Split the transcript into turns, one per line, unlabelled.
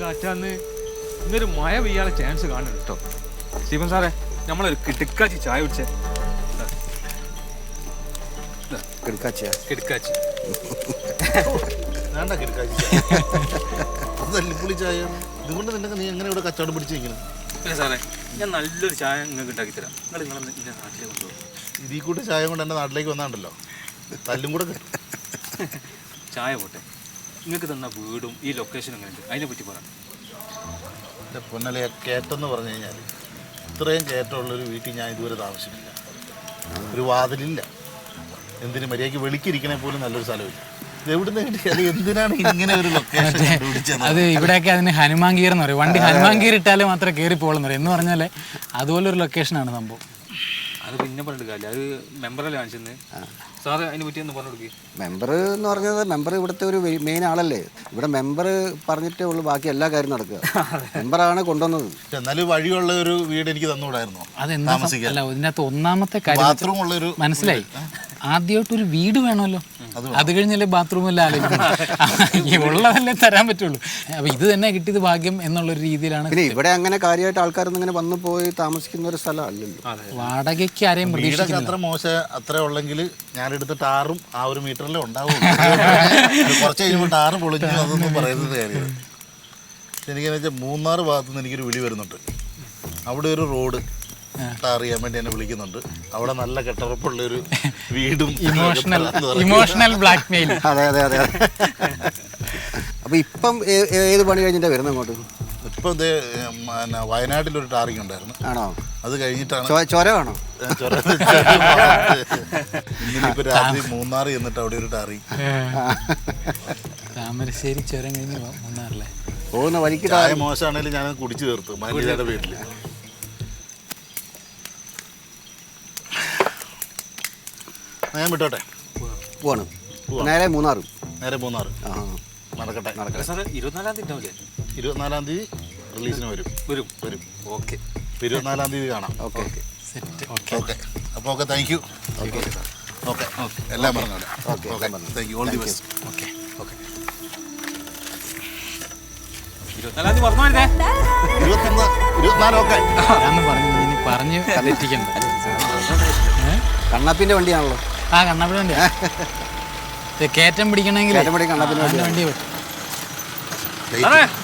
കാറ്റാന്ന് ഇന്നൊരു മഴ പെയ്യാനുള്ള ചാൻസ് കാണുന്നുണ്ട് കേട്ടോ. സ്റ്റീഫൻ സാറേ, നമ്മളൊരു കിടുക്കാച്ചി ചായ കുടിച്ചേ.
കിടക്കാച്ചിയാ?
കിടുക്കാച്ചി
വേണ്ട കിടക്കാച്ചി അത് തല്ലിപ്പൊളി ചായ. ഇതുകൊണ്ട് നിനക്ക് നീ എങ്ങനെ ഇവിടെ കച്ചവടം പിടിച്ചിരിക്കണം?
പിന്നെ സാറേ, ഞാൻ നല്ലൊരു ചായ നിങ്ങൾക്ക് ഉണ്ടാക്കി തരാം. നിങ്ങളെ എൻ്റെ നാട്ടിലേക്ക് കൊണ്ടുപോകും.
ഇതിൽ കൂട്ടി ചായ കൊണ്ട് എൻ്റെ നാട്ടിലേക്ക് വന്നാണ്ടല്ലോ തല്ലും കൂടെ കിട്ടും.
ചായ പോട്ടെ, നിങ്ങൾക്ക് തന്ന വീടും ഈ ലൊക്കേഷനും എങ്ങനെയുണ്ട് അതിനെ പറ്റി പറയാം.
എൻ്റെ പൊന്നലയെ കയറ്റെന്ന് പറഞ്ഞു കഴിഞ്ഞാൽ ഇത്രയും കയറ്റമുള്ളൊരു വീട്ടിൽ ഞാൻ ഇതുവരെ താമസിച്ചിട്ടില്ല. ഒരു വാതിലില്ല. എന്തിനു മര്യാദയ്ക്ക് വെളിക്കിരിക്കണേ പോലും നല്ലൊരു സ്ഥലമില്ല. ഇത് എവിടുന്ന് കിട്ടിയാൽ എന്തിനാണ് ഇങ്ങനെ ഒരു ലൊക്കേഷൻ കണ്ടുപിടിച്ചത്?
അത് ഇവിടെയൊക്കെ അതിന് ഹനുമാൻ ഗീർ എന്ന് പറയും. വണ്ടി ഹനുമാൻ ഗീർ ഇട്ടാലേ മാത്രമേ കയറി പോകുള്ളൂ എന്ന് പറഞ്ഞാൽ അതുപോലൊരു ലൊക്കേഷനാണ് സംഭവം.
അത് പിന്നെ പറഞ്ഞിട്ട് കാര്യമില്ല. അത് മെമ്പറല്ലേ കാണിച്ചെന്ന്. സാറ് അതിനെ പറ്റി ഒന്ന് പറഞ്ഞു കൊടുക്കുക.
മെമ്പർ എന്ന് പറഞ്ഞത് മെമ്പർ ഇവിടുത്തെ ഒരു മെയിൻ ആളല്ലേ. ഇവിടെ മെമ്പർ പറഞ്ഞിട്ടേ ഉള്ളൂ ബാക്കി എല്ലാ കാര്യം നടക്കുക. മെമ്പറാണ് കൊണ്ടുവന്നത്.
എന്നാലും വഴിയുള്ള ഒരു വീട് എനിക്ക് തന്നുകൂടായിരുന്നോ?
അതെന്താ അല്ല, ഇതിനകത്ത് ഒന്നാമത്തെ കാര്യം
ബാത്റൂം ഉള്ളൊരു
മനസ്സിലായി. ആദ്യമായിട്ടൊരു വീട് വേണമല്ലോ, അത് കഴിഞ്ഞല്ലേ ബാത്റൂം എല്ലാം ആലോചിക്കുന്നത്. ഉള്ളതല്ലേ തരാൻ പറ്റുള്ളൂ. അപ്പൊ ഇത് തന്നെ കിട്ടിയത് ഭാഗ്യം എന്നുള്ളൊരു രീതിയിലാണ്.
പിന്നെ ഇവിടെ അങ്ങനെ കാര്യമായിട്ട് ആൾക്കാരൊന്നും ഇങ്ങനെ വന്നു പോയി താമസിക്കുന്ന ഒരു സ്ഥലം അല്ലല്ലോ.
വാടകയ്ക്ക് ആരെയും
വീടൊക്കെ
പ്രതീക്ഷിക്കുന്നില്ല.
അത്ര മോശം അത്ര ഉള്ളെങ്കിൽ ഞാനെടുത്ത ടാറും ആ ഒരു മീറ്ററിലേ ഉണ്ടാവും. കുറച്ച് കഴിയുമ്പോൾ ടാറ് പൊളിഞ്ഞു അതൊന്നും പറയുന്നത് കാര്യം. എനിക്കെന്ന് വെച്ചാൽ മൂന്നാർ ഭാഗത്തു നിന്ന് എനിക്കൊരു വിളി വരുന്നുണ്ട്. അവിടെ ഒരു റോഡ് ടാർ ചെയ്യാൻ വേണ്ടി എന്നെ വിളിക്കുന്നുണ്ട്. അവിടെ നല്ല കെട്ടുറപ്പുള്ളൊരു വീടും
ഇമോഷണൽ ബ്ലാക്ക് മെയിൽ.
അതെ അതെ അതെ. അപ്പൊ ഇപ്പം ഏത് പണി കഴിഞ്ഞിട്ടാ വരുന്നത് അങ്ങോട്ട്?
ഇപ്പം ഇത് വയനാട്ടിലൊരു ടാറിങ് ഉണ്ടായിരുന്നു.
ആണോ?
അത് കഴിഞ്ഞിട്ടാണ്
ചൊര വേണോ?
ഇന്നിപ്പോ രാത്രി മൂന്നാർ ചെന്നിട്ട് അവിടെ ഒരു ടാറിങ്.
താമരശ്ശേരി ചുരം കഴിഞ്ഞ് മൂന്നാറിലെ
പോകുന്ന വഴിക്ക്
ചായ മോശമാണെങ്കിലും ഞാൻ കുടിച്ചു തീർത്തു മാനേജറുടെ വീട്ടില്. ഞാൻ വിട്ടോട്ടെ?
പോവാണ് നേരെ മൂന്നാർ.
നേരെ മൂന്നാർ.
ആ
നടക്കട്ടെ.
24-ാം തീയതി ഉണ്ടാവില്ലേ?
24-ാം തീയതി റിലീസിന് വരും.
ഓക്കെ.
24-ാം തീയതി കാണാം.
Okay
okay. അപ്പോൾ okay, thank you. Okay okay എല്ലാം പറഞ്ഞോളാം. Okay thank you. All the best.
Okay okay. 24-ാം തീയതി പറഞ്ഞു വരുന്നേ.
24 ഓക്കെ.
ഞാൻ പറഞ്ഞു ഇനി പറഞ്ഞ് തെറ്റിക്കണ്ട.
കണ്ണാപ്പിന്റെ വണ്ടിയാണല്ലോ.
ആ കണ്ണാപ്പിന്റെ വണ്ടിയാ. കയറ്റം പിടിക്കണമെങ്കിൽ
കണ്ണാപ്പിന്റെ
വണ്ടി
വെയിറ്റ്.